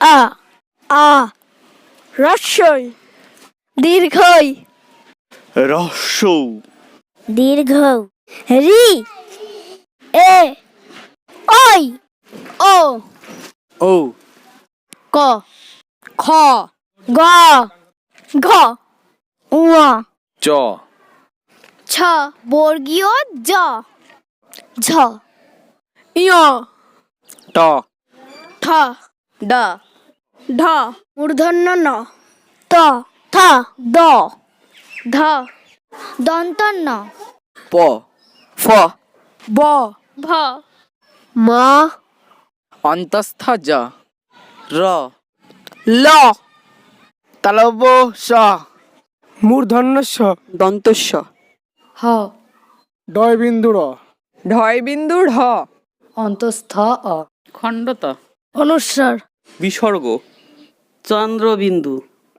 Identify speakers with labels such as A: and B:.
A: আ আ রস্যই দীর্ঘই
B: রস্যৌ
A: দীর্ঘ রি এ ওই ও
B: ও
A: ক খ গ ঘ ঙ
B: চ
A: ছ বর্গীয় জ ঝ ঞ
B: ট
A: ঠ ড ঢ মূর্ধন্য ন ত থ দ ধ দন্তন্য
B: প ফ
A: ব ভ ম
B: অন্তস্থ জ র
A: ল
B: তালব্য স
C: মূর্ধন্য স
B: দন্তস্ব
A: হ
C: ডয় বিন্দু র
D: ঢয় বিন্দু ঢ
A: অন্তস্থ অ
B: খণ্ডত
A: অনুস্বার
B: বিসর্গ
E: চন্দ্রবিন্দু